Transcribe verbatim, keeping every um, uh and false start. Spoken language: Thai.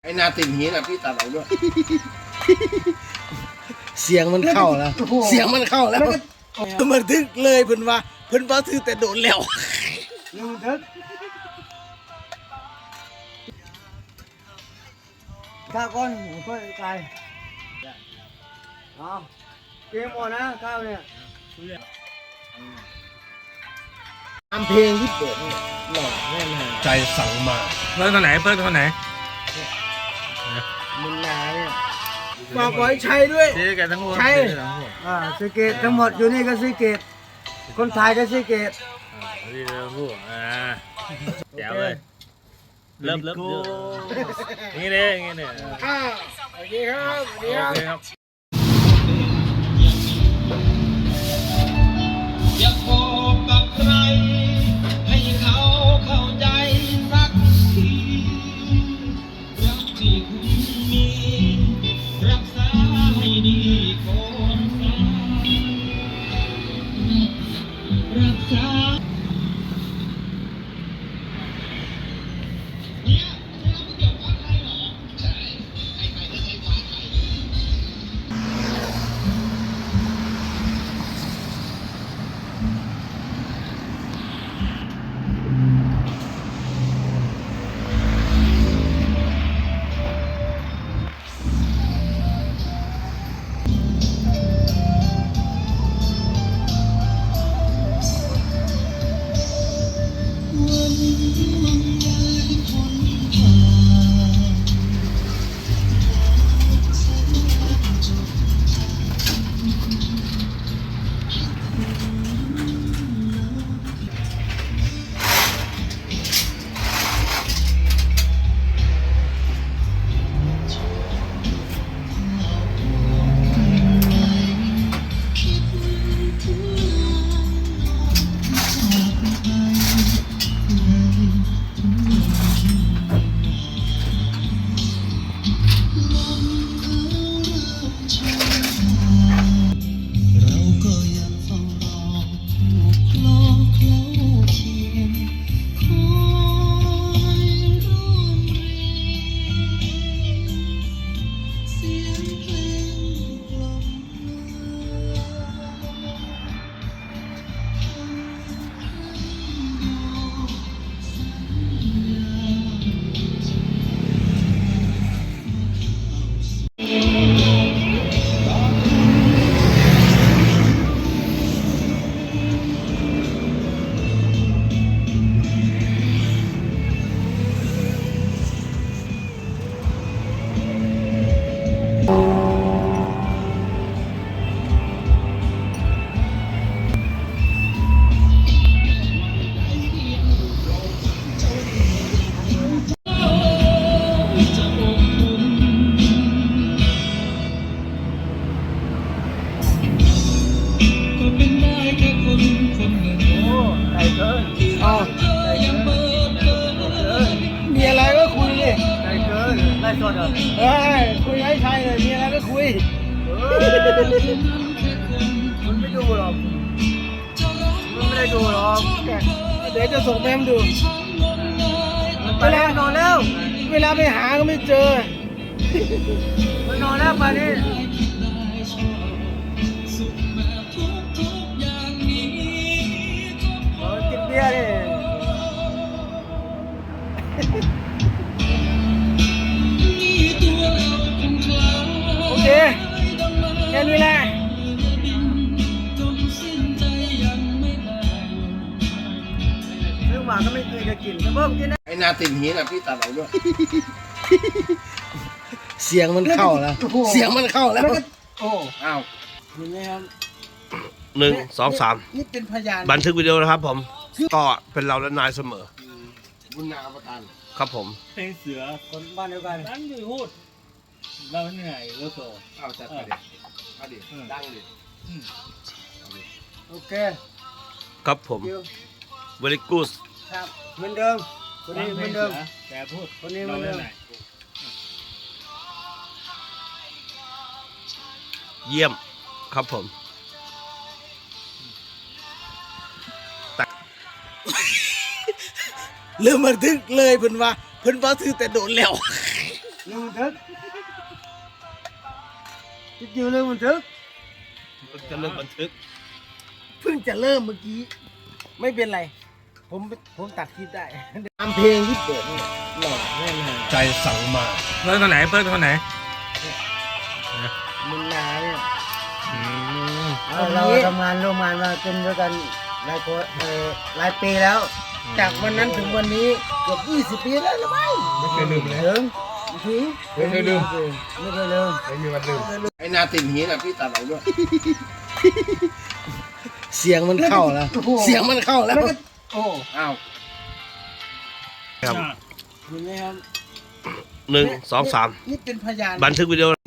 ไอ้นาติ่งหินอ่ะพี่ตัดออกด้วยเสียงมันเข้าแล้วเสียงมันเข้าแล้วมันทึกเลยเพิ่นว่าเพิ่นว่าถือแต่โดนแล้วมันทึกข้าวก้อนค่อยไกลเอาเกมหมดนะข้าวเนี่ยทำเพลงที่เปิดเนี่ยหล่อแน่นอนใจสั่งมาเปิ้ลตัวไหนเปิ้ลตัวไหนมึงนาเนี่ยฝากไว้ใช้ด้วยซื้อกันทั้งหัวใช่ซื้อกันทั้งหัวอ่าซีเกตทั้งหมดอยู่นี่ก็ซีเกตคนไทยก็ซีเกตซื้อกันทั้งหัวอ่าแจ๋วเลยเริ่มเริ่มเยอะนี่เลยนี่เลยอ่าโอเคครับสวัสดีโอครับเคครับอยากบอกกับใครให้เขาเข้าใจสักทีรักที่คุณมีรักษาให้ดีก่อนนะรักษาเนี่ยไม่รับเกี่ยวกับใครหรอใช่ใครๆก็ใช้ฟ้าไทย เราก็ยังเฝ้ารอผู้คลอเคล้าเคียงคอยร่วมเรียนเสียงเพลงกล่อมจะอบอุ่นก็เป็นได้แค่คนคนหนึ่งโอ้ไก่เกินอ๋อเธอยังเปิดเผยมีอะไรก็คุยดิไก่เกินไล่สดเหรอเฮ้ยคุยให้ใช่เลยมีอะไรก็คุยมันไม่ดูหรอกมันไม่ได้ดูหรอกเดี๋ยวจะส่งแม่มดูเวลานอนแล้วเวลาไปหาก็ไม่เจอมันนอนแล้วมานี่สุขแบบทุกทุกๆอย่างนี้เออกินเบียร์ดินี่ตัวเราคงคล้ายโอเคแค่นี้แหละจนสิ้นใจยังไม่ได้ซื้อมาก็ไม่เคยจะกินแต่เพิ่มกินนะไอ้นาติ่งหินอ่ะพี่ตัดออกด้วยเสียงมันเข้าแล้วเสียงมันเข้าแล้วโอ้อ้าวเห็นไหมครับหนึ่งสองสามนี่เป็นพยานบันทึกวิดีโอนะครับผมก็เป็นเราและนายเสมอบุญนาประทานครับผมเพลงเสือคนบ้านเดียวกันนั้นอยู่พูดเราเหนื่อยแล้วโตเอาจัดไปดิเอาดิดังดิโอเคครับผมคิว very good ครับเหมือนเดิมคนนี้เหมือนเดิมแต่พูดคนนี้เหมืเราอนเดิเล่นมไหนเยี่ยมครับผมเริ่มบันทึกเลยเพิ่นว่าเพิ่นว่าถือแต่โดนแล้วเรื่องบันทึกคิดอยู่เรื่องบันทึกจะเลิกบันทึกเพิ่งจะเริ่มเมื่อกี้ ไม่เป็นไร ผมผมตัดคลิปได้ตามเพลงที่เปิดนี่หล่อแน่นอนใจสั่งมาเพิ่มคนไหนเพิ่มคนไหนมุนนาเนี่ยอืมเราทำงานร่วมงานมาเป็นด้วยกันหลายคนเอ่อหลายปีแล้ว จากวันนั้นถึงวันนี้เกือบยี่สิบปีแล้วหรือไม่ไม่เคยลืมเลยถึงถึงไม่เคยลืมไม่เคยลืมไม่มีวันลืมไอ้นาติดหินอ่ะพี่ตัดออกด้วยเสียงมันเข้าแล้วเสียงมันเข้าแล้วโอ้อ้าวครับเห็นไหมครับหนึ่งสองสามนี่เป็นพยานบันทึกวิดีโอ